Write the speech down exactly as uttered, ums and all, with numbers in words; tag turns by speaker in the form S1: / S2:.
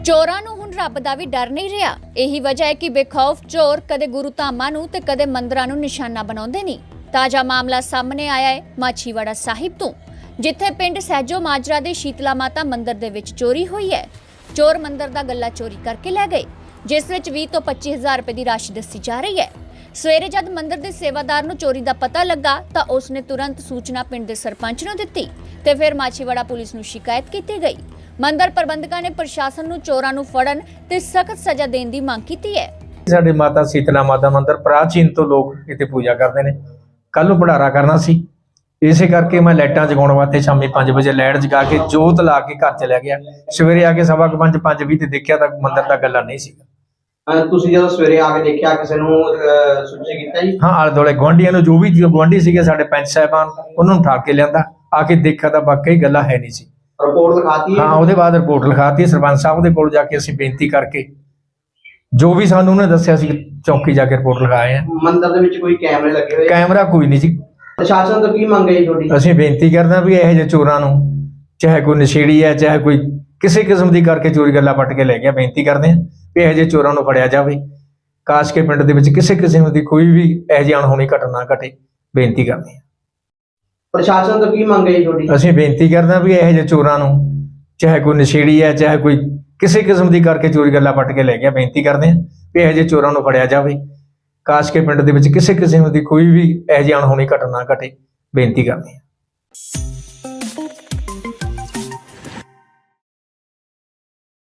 S1: ਚੋਰਾਂ ਨੂੰ ਹੁਣ ਰੱਬ ਦਾ ਵੀ ਡਰ ਨਹੀਂ ਰਿਹਾ। ਇਹੀ ਵਜ੍ਹਾ ਹੈ ਕਿ ਬੇਖੌਫ ਚੋਰ ਕਦੇ ਗੁਰੂ ਧਾਮਾਂ ਨੂੰ ਤੇ ਕਦੇ ਮੰਦਰਾਂ ਨੂੰ ਨਿਸ਼ਾਨਾ ਬਣਾਉਂਦੇ ਨਹੀਂ। ਤਾਜ਼ਾ ਮਾਮਲਾ ਸਾਹਮਣੇ ਆਇਆ ਹੈ ਮਾਛੀਵਾੜਾ ਸਾਹਿਬ ਤੋਂ, ਜਿੱਥੇ ਪਿੰਡ ਸਹਿਜੋ ਮਾਜਰਾ ਦੇ ਸ਼ੀਤਲਾ ਮਾਤਾ ਮੰਦਿਰ ਦੇ ਵਿੱਚ ਚੋਰੀ ਹੋਈ ਹੈ। ਚੋਰ ਮੰਦਿਰ ਦਾ ਗੱਲਾ ਚੋਰੀ ਕਰਕੇ ਲੈ ਗਏ, ਜਿਸ ਵਿੱਚ ਵੀਹ ਤੋਂ ਪੱਚੀ ਹਜ਼ਾਰ ਰੁਪਏ ਦੀ ਰਾਸ਼ੀ ਦੱਸੀ ਜਾ ਰਹੀ ਹੈ। ਸਵੇਰੇ ਜਦ ਮੰਦਿਰ ਦੇ ਸੇਵਾਦਾਰ ਨੂੰ ਚੋਰੀ ਦਾ ਪਤਾ ਲੱਗਾ ਤਾਂ ਉਸਨੇ ਤੁਰੰਤ ਸੂਚਨਾ ਪਿੰਡ ਦੇ ਸਰਪੰਚ ਨੂੰ ਦਿੱਤੀ ਤੇ ਫਿਰ ਮਾਛੀਵਾੜਾ ਪੁਲਿਸ ਨੂੰ ਸ਼ਿਕਾਇਤ ਕੀਤੀ ਗਈ। ਮੰਦਿਰ ਪ੍ਰਬੰਧਕਾਂ ਨੇ ਪ੍ਰਸ਼ਾਸਨ ਨੂੰ ਚੋਰਾਂ ਨੂੰ ਫੜਨ ਤੇ ਸਖਤ ਸਜ਼ਾ ਦੇਣ ਦੀ ਮੰਗ ਕੀਤੀ ਹੈ।
S2: ਸਾਡੇ ਮਾਤਾ ਸੀਤਲਾ ਮਾਤਾ ਮੰਦਿਰ ਪ੍ਰਾਚੀਨ ਤੋਂ ਲੋਕ ਇੱਥੇ ਪੂਜਾ ਕਰਦੇ ਨੇ। ਕੱਲ ਨੂੰ ਭੰਡਾਰਾ ਕਰਨਾ ਸੀ, ਇਸੇ ਕਰਕੇ ਮੈਂ ਲਾਈਟਾਂ ਜਗਾਉਣ ਵਾਸਤੇ ਸ਼ਾਮੀ ਪੰਜ ਵਜੇ ਲਾਈਟ ਜਗਾ ਕੇ ਜੋਤ ਲਾ ਕੇ ਘਰ ਚਲਿਆ ਗਿਆ। ਸਵੇਰੇ ਆ ਕੇ ਸਵਾ ਕੁ ਪੰਜ ਪੰਜ ਵੀਹ ਤੇ ਦੇਖਿਆ ਤਾਂ ਮੰਦਿਰ ਦਾ ਗੱਲਾ ਨਹੀਂ ਸੀ।
S3: ਤੁਸੀਂ ਜਦੋਂ ਸਵੇਰੇ ਆ ਕੇ ਦੇਖਿਆ ਕਿਸੇ ਨੂੰ ਸੂਚਿਤ ਕੀਤਾ ਜੀ?
S2: ਹਾਂ, ਆਲੇ ਦੁਆਲੇ ਗੁਆਂਢੀਆਂ ਨੂੰ, ਜੋ ਵੀ ਗੁਆਂਢੀ ਸੀਗੇ ਸਾਡੇ ਪੰਚ ਸਾਹਿਬਾਨ, ਉਹਨਾਂ ਨੂੰ ਠਾਕ ਕੇ ਲਿਆਂਦਾ। ਆ ਕੇ ਦੇਖਿਆ ਤਾਂ ਵਾਕਈ ਗੱਲਾ ਹੈ ਨਹੀਂ ਸੀ।
S3: ਰਿਪੋਰਟ ਲਿਖਾਤੀ?
S2: ਹਾਂ, ਉਹਦੇ ਬਾਅਦ ਰਿਪੋਰਟ ਲਿਖਾਤੀ। ਸਰਪੰਚ ਸਾਹਿਬ ਦੇ ਕੋਲ ਜਾ ਕੇ ਅਸੀਂ ਬੇਨਤੀ ਕਰਕੇ ਜੋ ਵੀ ਸਾਨੂੰ ਉਹਨੇ ਦੱਸਿਆ ਸੀ ਚੌਕੀ ਜਾ ਕੇ ਰਿਪੋਰਟ ਲਿਖਾਏ ਆ।
S3: ਮੰਦਿਰ ਦੇ ਵਿੱਚ ਕੋਈ ਕੈਮਰੇ ਲੱਗੇ ਹੋਏ?
S2: ਕੈਮਰਾ ਕੋਈ ਨਹੀਂ ਸੀ।
S3: ਪ੍ਰਸ਼ਾਸਨ ਤੋਂ ਕੀ ਮੰਗ ਹੈ ਤੁਹਾਡੀ?
S2: ਅਸੀਂ ਬੇਨਤੀ ਕਰਦੇ ਹਾਂ ਵੀ ਇਹੋ ਜਿਹੇ ਚੋਰਾਂ ਨੂੰ, ਚਾਹੇ ਕੋਈ ਨਸ਼ੇੜੀ ਹੈ, ਚਾਹੇ ਕੋਈ ਕਿਸੇ ਕਿਸਮ ਦੀ ਕਰਕੇ ਚੋਰੀ ਗੱਲਾਂ ਪੱਟ ਕੇ ਲੈ ਗਿਆ, ਬੇਨਤੀ ਕਰਦੇ ਹਾਂ ਵੀ ਇਹੋ ਜਿਹੇ ਚੋਰਾਂ ਨੂੰ ਫੜਿਆ ਜਾਵੇ। ਕਾਸ਼ ਕੇ ਪਿੰਡ ਦੇ ਵਿੱਚ ਕਿਸੇ ਕਿਸਮ ਦੀ ਕੋਈ ਵੀ ਇਹੋ ਜਿਹੀ ਅਣਹੋਣੀ ਘਟਨਾ ਘਟੇ, ਬੇਨਤੀ ਕਰਦੇ ਹਾਂ।
S3: ਪ੍ਰਸ਼ਾਸਨ ਤੋਂ ਕੀ ਮੰਗ ਹੈ ਤੁਹਾਡੀ?
S2: ਅਸੀਂ ਬੇਨਤੀ ਕਰਦੇ ਹਾਂ ਵੀ ਇਹੋ ਜਿਹੇ ਚੋਰਾਂ ਨੂੰ, ਚਾਹੇ ਕੋਈ ਨਸ਼ੇੜੀ ਹੈ, ਚਾਹੇ ਕੋਈ ਕਿਸੇ ਕਿਸਮ ਦੀ ਕਰਕੇ ਚੋਰੀ ਗੱਲਾਂ ਪੱਟ ਕੇ ਲੈ ਗਿਆ, ਬੇਨਤੀ ਕਰਦੇ ਹਾਂ ਵੀ ਇਹੋ ਜਿਹੇ ਚੋਰਾਂ ਨੂੰ ਫੜਿਆ ਜਾਵੇ। ਕਾਸ਼ ਕੇ ਪਿੰਡ ਦੇ ਵਿੱਚ ਕਿਸੇ ਕਿਸਮ ਦੀ ਕੋਈ ਵੀ ਇਹੋ ਜਿਹੀ ਅਣਹੋਣੀ ਘਟਨਾ ਘਟੇ, ਬੇਨਤੀ ਕਰਦੇ ਹਾਂ।